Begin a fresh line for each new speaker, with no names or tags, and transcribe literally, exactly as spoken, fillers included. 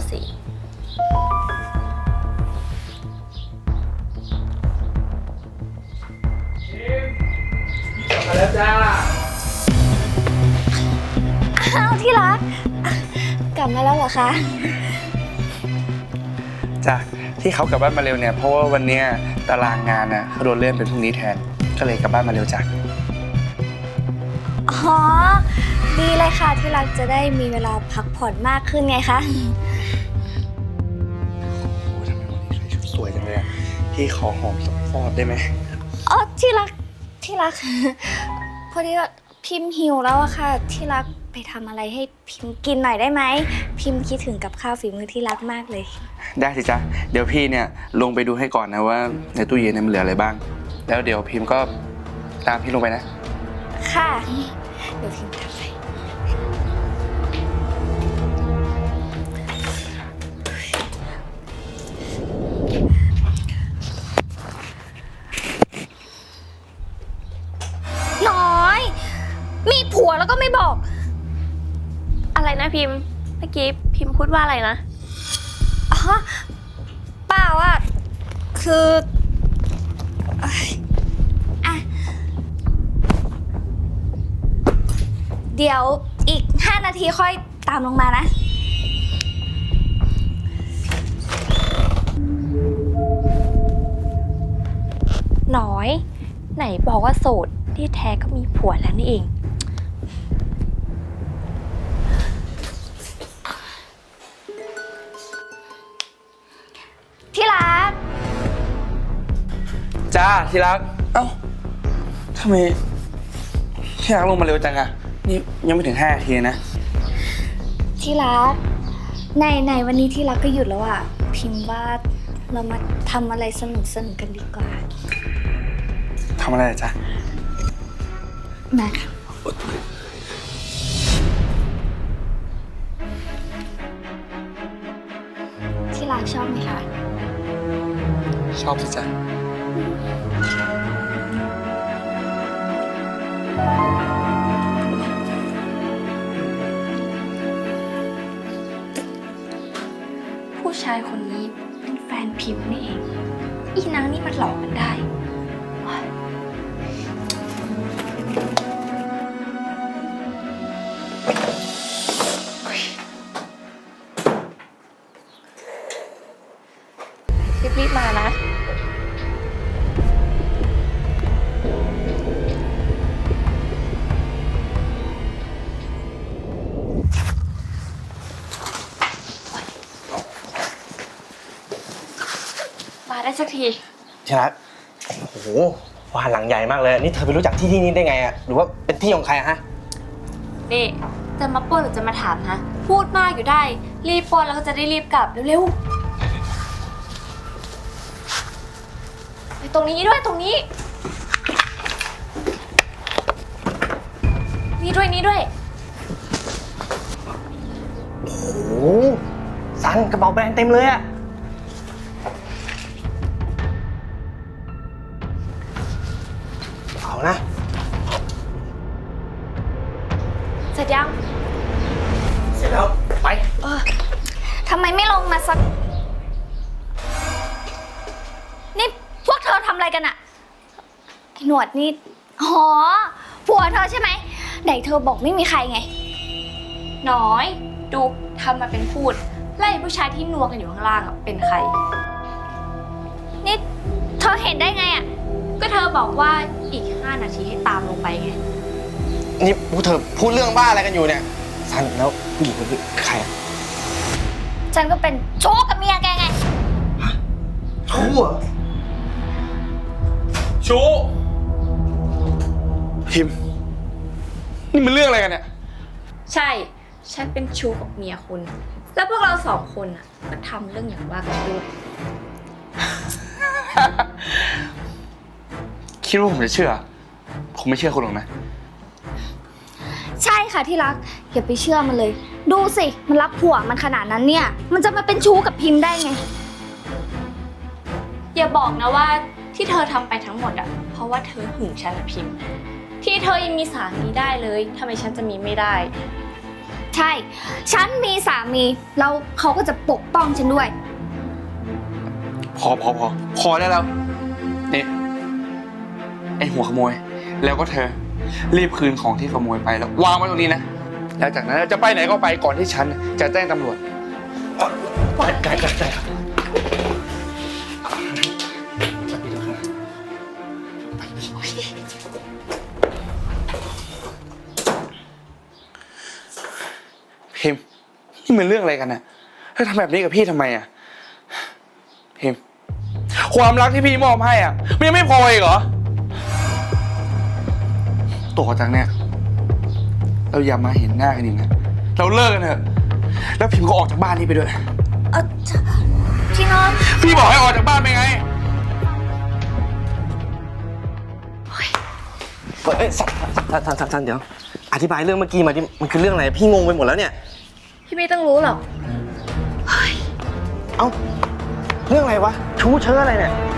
สิ
มาแล้วจ้า
อ้าวที่รักกลับมาแล้วเหรอคะ
จ้าที่เขากลับบ้านมาเร็วเนี่ยเพราะว่าวันนี้ตารางงานน่ะเขาโดนเลื่อนเป็นพรุ่งนี้แทนก็เลยกลับบ้านมาเร็วจ้ะ
อ๋อดีเลยค่ะที่รักจะได้มีเวลาพักผ่อนมากขึ้นไงคะ
โอ้ทำไมวันนี้ใส่ชุดสวยจังเลยอะพี่ขอหอมสักฟอดได้ไหม
อ๋อที่รักที่รักพอดีว่าพิมพ์หิวแล้วอะค่ะที่รักไปทำอะไรให้พิมพ์กินหน่อยได้ไหมพิมพ์คิดถึงกับข้าวฝีมือที่รักมากเลย
ได้สิจ๊ะเดี๋ยวพี่เนี่ยลงไปดูให้ก่อนนะว่าในตู้เย็นมันเหลืออะไรบ้างแล้วเดี๋ยวพิมพ์ก็ตามพี่ลงไปนะ
ค่ะเดี๋ยวพิมพ์ทำไปน้อยมีผัวแล้วก็ไม่บอก
อะไรนะพิมพ์เมื่อกี้พิมพ์พูดว่าอะไรนะ
อ๋อเปล่าอ่ะคืออ่ะเดี๋ยวอีกห้านาทีค่อยตามลงมานะ
น้อยไหนบอกว่าโสดที่แท้ก็มีผัวแล้วนี่เอง
ที่รัก
จ้าที่รักเอ้าทำไมที่รักลงมาเร็วจังอะนี่ยังไม่ถึงห้านาทีนะ
ที่รักในในวันนี้ที่รักก็หยุดแล้วอ่ะพิมพ์ว่าเรามาทำอะไรสนุกสนุกกันดีกว่า
ทำอะไรจ๊ะ
มาค่ะที่รักชอบไหมคะ
ชอบสิจ๊ะ
ผู้ชายคนนี้เป็นแฟนพิมพ์นี่เองอีนางนี่มันหลอกกันได้รีบๆมานะมาได้สักที
ที่รักโอ้โหบ้านหลังใหญ่มากเลยนี่เธอไปรู้จักที่ที่นี้ได้ไงอะหรือว่าเป็นที่ของใครอะฮะ
นี่จะมาปล้นหรือจะมาถามฮะพูดมากอยู่ได้รีบปล้นแล้วก็จะได้รีบกลับเร็วๆไปตรงนี้ด้วยตรงนี้นี่ด้วยนี่ด้วย
โอ้โหซันกระเป๋าแบรนด์เต็มเลยอะเอานะ
เสร็จยัง
เสร็จแล้วไป
เออทำไมไม่ลงมาสักนี่พวกเธอทำอะไรกันอะไอ้หนวดนี่อ๋อผัวเธอใช่ไหมไหนเธอบอกไม่มีใครไง
น้อยดูทำมาเป็นพูดไล่ผู้ชายที่นัวกันอยู่ข้างล่างอะเป็นใคร
นี่เธอเห็นได้ไงอะ
ก็เธอบอกว่าอีกห้านาทีให้ตามลงไปไง
นี่พวกเธอพูดเรื่องบ้าอะไรกันอยู่เนี่ยซันแล้วผู้หญิงคนนี้ใครอะ
ฉันก็เป็นชู้กับเมียแกไง
ชู้เหรอ
ชูพิมพ์นี่มันเรื่องอะไรกันเนี่ย
ใช่ฉันเป็นชู้กับเมียคุณแล้วพวกเราสองคนอ่ะก็ทำเรื่องอย่างว่ากันด้วย
คิดว่าผมจะเชื่อผมไม่เชื่อคุณหรอกนะ
ใช่ค่ะที่รักอย่าไปเชื่อมันเลยดูสิมันรักผัวมันขนาดนั้นเนี่ยมันจะมาเป็นชู้กับพิมพ์ได้ไง
อย่าบอกนะว่าที่เธอทำไปทั้งหมดอ่ะเพราะว่าเธอหึงฉันพิมพ์ที่เธอยังมีสามีได้เลยทำไมฉันจะมีไม่ได้
ทใช่ ฉันมีสามี แล้วเขาก็จะปกป้องฉันด้วย
พอพอพอพอได้แล้วนี่ไอหัวขโมย แล้วก็เธอ รีบคืนของที่ขโมยไปแล้ววางไว้ตรงนี้นะ แล้วจากนั้นจะไปไหนก็ไปก่อนที่ฉันจะแจ้งตำรวจ
ได้ได้ได้ครับ
พิมพ์นี่มันเรื่องอะไรกันน่ะเธอทำแบบนี้กับพี่ทำไมอ่ะพิมพ์ความรักที่พี่มอบให้อ่ะมันยังไม่พออีกเหรอต่อจากเนี้ยเราอย่ามาเห็นหน้ากันอีกนะเราเลิกกันเถอะแล้วพิมพ์ก็ออกจากบ้านนี้ไปด้วย
เออพี่น็อต
พี่บอกให้ออกจากบ้านไปไง
เอ้ยสันสันสันสันสันเดี๋ยว อธิบายเรื่องเมื่อกี้มาดิมันคือเรื่องอะไร พี่งงไปหมดแล้วเนี่ย
พี่ไม่ต้องรู้หรอก
เอ้า เรื่องอะไรวะ ชู้เชื้ออะไรเนี่ย